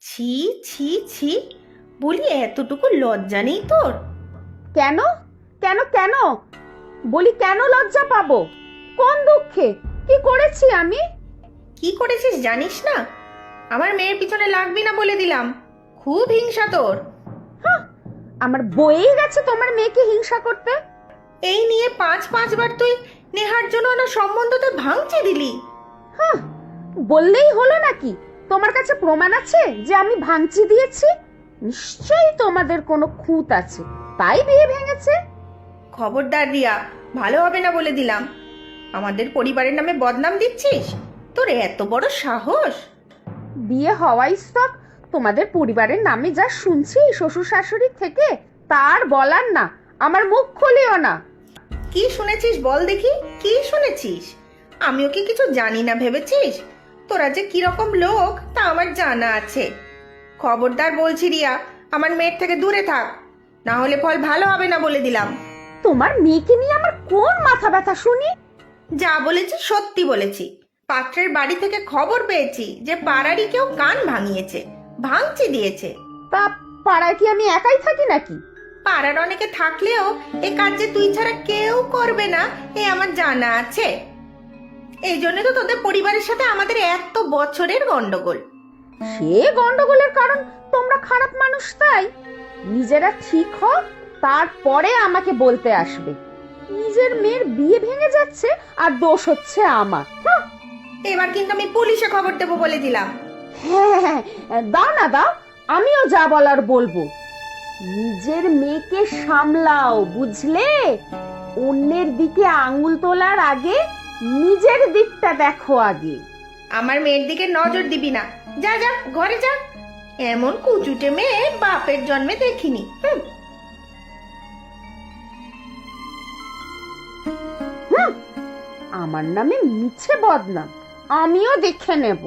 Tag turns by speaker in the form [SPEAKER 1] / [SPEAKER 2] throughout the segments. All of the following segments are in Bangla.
[SPEAKER 1] ছি ছি ছি, বলি এতটুকু লজ্জা নেই তোর?
[SPEAKER 2] কেন কেন কেন বলি, কেন লজ্জা পাবো? কোন দুঃখে? কি করেছি আমি?
[SPEAKER 1] কি করেছিস জানিস না? আমার মেয়ের পিছনে লাগবি না বলে দিলাম। খুব হিংসা তোর।
[SPEAKER 2] হাহ, আমার বয়েই গেছে তোমার মেয়েকে হিংসা করতে।
[SPEAKER 1] এই নিয়ে পাঁচবার তুই নেহার জন্য না সম্বন্ধতে ভাঙচি দিলি।
[SPEAKER 2] হ্যাঁ, বললেই হলো নাকি? তোমার কাছে প্রমাণ আছে যে আমি ভাঙচি দিয়েছি? নিশ্চয়ই তোমাদের কোনো খুঁত আছে, তাই বিয়ে ভেঙেছে।
[SPEAKER 1] খবরদার রিয়া, ভালো হবে না বলে দিলাম। আমাদের পরিবারের নামে বদনাম দিচ্ছিস? তোর এত বড় সাহস!
[SPEAKER 2] বিয়ে হওয়াই স্টক। তোমাদের পরিবারের নামে যা শুনছি শ্বশুর শাশুড়ির থেকে, তার বলার না। আমার মুখ খুলিও না।
[SPEAKER 1] কি শুনেছিস বল দেখি, কি শুনেছিস? আমিও কি কিছু জানি না ভেবেছিস? তোরা যে কিরকম লোক তা আমার জানা আছে। খবরদার বলছি রিয়া, আমার মেয়ের থেকে দূরে থাক, না হলে ফল ভালো হবে না বলে দিলাম।
[SPEAKER 2] তোমার মেয়েকে নিয়ে আমার কোন মাথা ব্যথা শুনি?
[SPEAKER 1] যা বলেছি সত্যি বলেছি। পাত্রের বাড়ি থেকে খবর পেয়েছি যে পাড়ারই কেউ কান ভাঙিয়েছে, ভাঙচি দিয়েছে।
[SPEAKER 2] তা পাড়ায় কি আমি একাই থাকি নাকি?
[SPEAKER 1] পাড়ার অনেকে থাকলেও এ কাজ যে তুই ছাড়া কেউ করবে না, এ আমার জানা আছে। এই জন্য তো তোদের পরিবারের সাথে আমাদের এত বছরের গন্ডগোল।
[SPEAKER 2] সে গন্ডগোলের কারণ তোমরা খারাপ মানুষ, তাই নিজেরা ঠিক হও, তারপরে আমাকে বলতে আসবে। নিজের মেয়ের বিয়ে ভেঙে যাচ্ছে আর দোষ হচ্ছে আমার।
[SPEAKER 1] এবার কিন্তু আমি পুলিশে খবর দেবো বলে দিলাম।
[SPEAKER 2] হ্যাঁ হ্যাঁ, দাও না দাও, আমিও যা বলার বলবো। নিজের মেয়েকে সামলাও, বুঝলে? অন্যের দিকে আঙুল তোলার আগে নিজের দিকটা দেখো আগে।
[SPEAKER 1] আমার মেয়ের দিকে নজর দিবি না। যা যা, ঘরে যা। এমন কুচুটে মেয়ে বাপের জন্মে দেখিনি।
[SPEAKER 2] হুম, আমার নামে মিছে বদনাম আমিও দেখে নেব।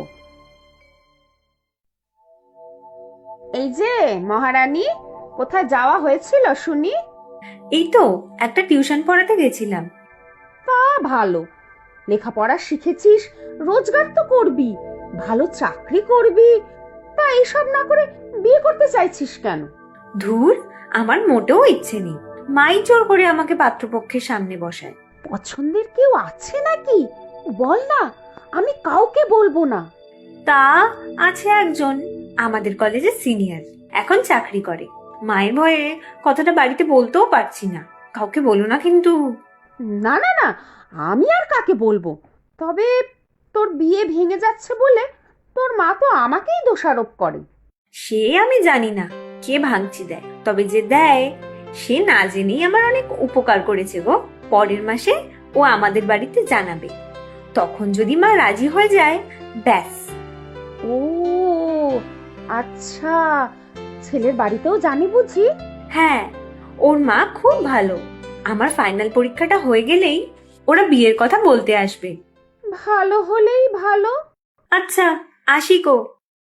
[SPEAKER 2] এই যে মহারানী, কোথায় যাওয়া হয়েছিল শুনি?
[SPEAKER 3] এই তো একটা টিউশন পড়াতে গেছিলাম।
[SPEAKER 2] তা ভালো, লেখাপড়া শিখেছিস, রোজগার তো করবি, ভালো চাকরি করবি। তা এইসব না করে বিয়ে করতে চাইছিস কেন?
[SPEAKER 3] ধুর, আমার মোটেও ইচ্ছে নেই। মাই জোর করে আমাকে পাত্রপক্ষের সামনে বসায়।
[SPEAKER 2] পছন্দের কেউ আছে নাকি? বল না, আমি কাউকে বলবো না।
[SPEAKER 3] তা আছে একজন, আমাদের কলেজে সিনিয়র, এখন চাকরি করে। মায়ের ভয়ে কথাটা বাড়িতে বলতেও পারছি না। কাউকে বলো না কিন্তু।
[SPEAKER 2] না না না, আমি আর কাকে বলবো? তবে তোর বিয়ে ভেঙে যাচ্ছে বলে তোর মা তো আমাকেই দোষারোপ করে।
[SPEAKER 3] সে আমি জানি না কে ভাঙচি দেয়, তবে যে দেয় সে না জেনেই আমার অনেক উপকার করেছে গো। পরের মাসে ও আমাদের বাড়িতে জানাবে, তখন যদি মা রাজি হয়ে যায়, ব্যাস।
[SPEAKER 2] ও আচ্ছা, ছেলের বাড়িতেও জানি বুঝি?
[SPEAKER 3] হ্যাঁ, ওর মা খুব ভালো। আমার ফাইনাল পরীক্ষাটা হয়ে গেলেই ওরা বিয়ের কথা বলতে আসবে।
[SPEAKER 2] ভালো হলেই ভালো।
[SPEAKER 3] আচ্ছা, আসি গো।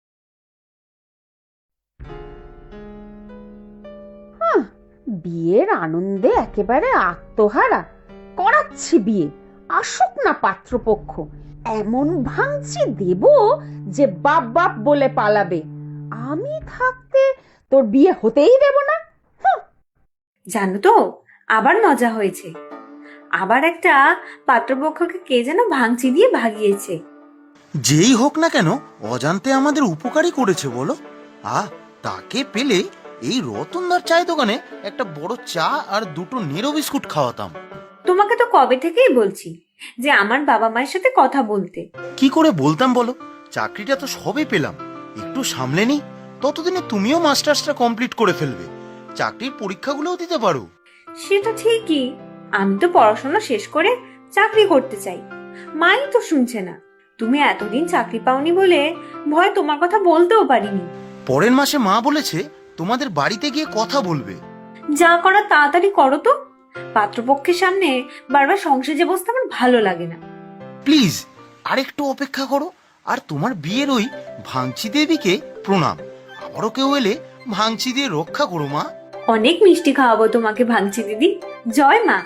[SPEAKER 2] বিয়ের আনন্দে একেবারে আত্মহারা করাচ্ছি বিয়ে। আসুক না পাত্রপক্ষ, এমন ভাঙচি দেব যে বাপ বাপ বলে পালাবে। আমি থাকতে তোর বিয়ে হতেই দেব না।
[SPEAKER 3] জানো তো, আবার মজা হয়েছে। আবার একটা পাত্রপক্ষকে কে যেন ভাঙচি দিয়ে ভাগিয়েছে।
[SPEAKER 4] যেই হোক না কেন, অজান্তে আমাদের উপকারই করেছে বলো। তাকে পেলে এই রতনদার চায়ের দোকানে একটা বড় চা আর দুটো নেরো বিস্কুট খাওয়াতাম।
[SPEAKER 3] তোমাকে তো কবে থেকেই বলছি যে আমার বাবা মায়ের সাথে কথা বলতে।
[SPEAKER 4] কি করে বলতাম বলো? চাকরিটা তো সবে পেলাম, একটু সামলে নি, ততদিনে তুমিও মাস্টার্সটা কমপ্লিট করে ফেলবে, চাকরির পরীক্ষাগুলোও দিতে পারো।
[SPEAKER 3] সেটা ঠিকই, আমি তো পড়াশোনা শেষ করে চাকরি করতে চাই, মাই তো শুনছে না। তুমি এতদিন চাকরি পাওনি বলে ভয় তোমার কথা বলতেও পারিনি।
[SPEAKER 4] পরের মাসে মা বলেছে তোমাদের বাড়িতে গিয়ে কথা বলবে।
[SPEAKER 3] যা করার তাড়াতাড়ি করো তো। পাত্রপক্ষের সামনে বারবার সংসারে বসতে আমার ভালো লাগে না।
[SPEAKER 4] প্লিজ আরেকটু অপেক্ষা করো। আর তোমার বিয়ের ওই ভাঙচি দেবীকে প্রণাম। আবারও কেউ এলে ভাঙচি দিয়ে রক্ষা করো মা।
[SPEAKER 3] অনেক মিষ্টি খাওয়াবো তোমাকে ভাঙচি দিদি। জয় মা।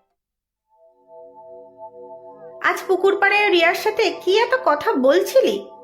[SPEAKER 1] আজ পুকুর পাড়ে রিয়ার সাথে কি এত কথা বলছিলি?